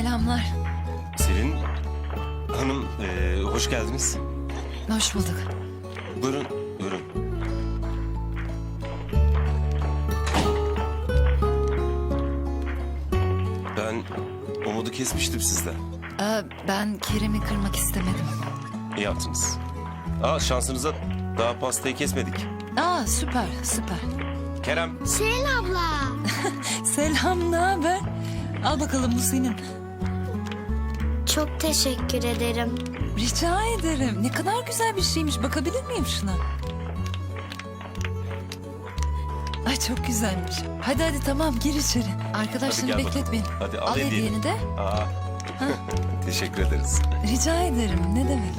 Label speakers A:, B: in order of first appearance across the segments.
A: Selamlar.
B: Selin Hanım, hoş geldiniz.
A: Hoş bulduk.
B: Buyurun, buyurun. Ben umudu kesmiştim sizden.
A: Ben Kerem'i kırmak istemedim.
B: İyi yaptınız. Şansınıza daha pastayı kesmedik.
A: Süper, süper.
B: Kerem.
C: Selin abla.
A: Selam, ne haber? Al bakalım, bu senin.
C: Çok teşekkür ederim.
A: Rica ederim. Ne kadar güzel bir şeymiş. Bakabilir miyim şuna? Ay çok güzelmiş. Hadi tamam, gir içeri. Arkadaşlarını
B: Hadi gel
A: bekletmeyin.
B: bakalım. Hadi
A: al hediyeni de.
B: Teşekkür ederiz.
A: Rica ederim. Ne demek?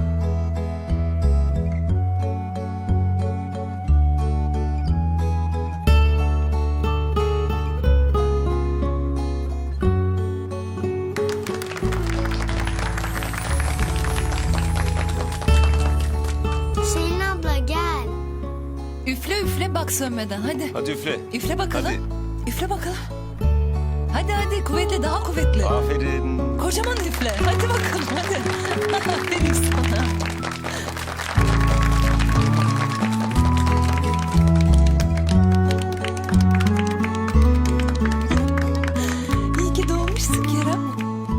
C: Selin abla gel.
A: Üfle üfle, bak sönmeden. Hadi.
B: Hadi üfle.
A: Üfle bakalım.
B: Hadi.
A: Üfle bakalım. Hadi kuvvetli, daha kuvvetli.
B: Aferin.
A: Kocaman üfle. Hadi bakalım hadi. Aferin sana. İyi ki doğmuşsun Kerem.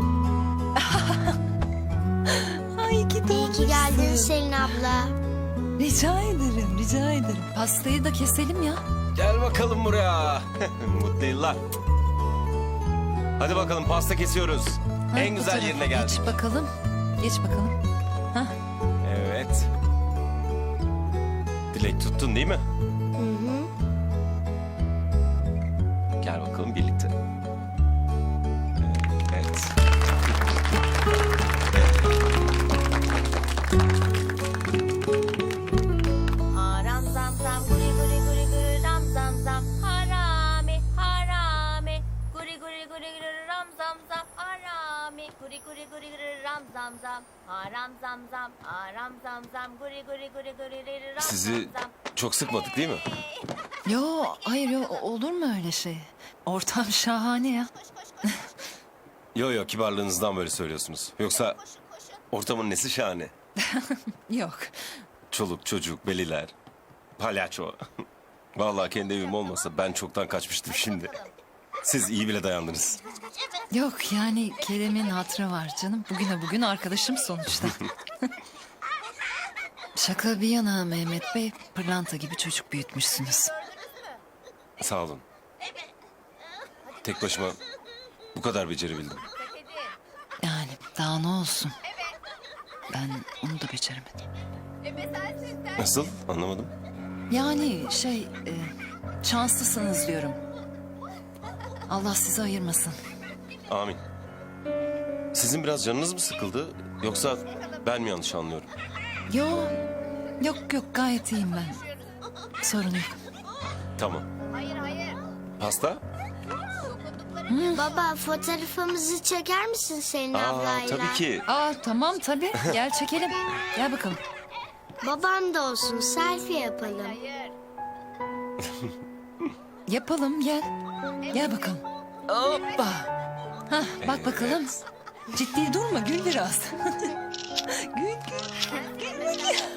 A: Ay, iyi ki
C: İyi
A: doğmuşsun.
C: ki geldin Selin abla.
A: Rica ederim, rica ederim. Pastayı da keselim ya.
B: Gel bakalım buraya. Mutlu yıllar. Hadi bakalım, pasta kesiyoruz.
A: Ha,
B: En
A: bu
B: güzel
A: tarafa
B: yerine geldik.
A: Geç bakalım. Geç bakalım.
B: Evet. Dilek tuttun değil mi?
C: Hı hı.
B: Gel bakalım birlikte. Evet.
D: Ram zam zam guri guri guri guri ram zam zam harami harami guri guri guri guri ram zam zam harami guri guri guri guri ram zam zam haram zam zam haram zam zam guri guri guri guri ram
B: Sizi
D: zam zam.
B: çok sıkmadık değil mi?
A: Yo, hayır yo, olur mu öyle şey? Ortam şahane ya.
B: Yo, kibarlığınızdan böyle söylüyorsunuz. Yoksa ortamın nesi şahane?
A: Yok.
B: Çoluk, çocuk, beliler, palyaço. Vallahi kendi evim olmasa ben çoktan kaçmıştım şimdi. Siz iyi bile dayandınız.
A: Yok yani Kerem'in hatırı var canım. Bugün arkadaşım sonuçta. Şaka bir yana Mehmet Bey, pırlanta gibi çocuk büyütmüşsünüz.
B: Sağ olun. Tek başıma bu kadar becerebildim.
A: Yani daha ne olsun. Ben onu da beceremedim.
B: Nasıl? Anlamadım.
A: Yani şanslısınız diyorum. Allah sizi ayırmasın.
B: Amin. Sizin biraz canınız mı sıkıldı? Yoksa ben mi yanlış anlıyorum?
A: Yok gayet iyiyim ben. Sorun yok.
B: Tamam. Pasta?
C: Baba fotoğrafımızı çeker misin Selin ablayla?
B: Tabii ki.
A: Tamam tabii. Gel çekelim. Gel bakalım.
C: Babam da olsun selfie yapalım.
A: Yapalım gel. Gel bakalım. Hoppa. Hah, bak bakalım. Ciddi durma, gül biraz. Gül.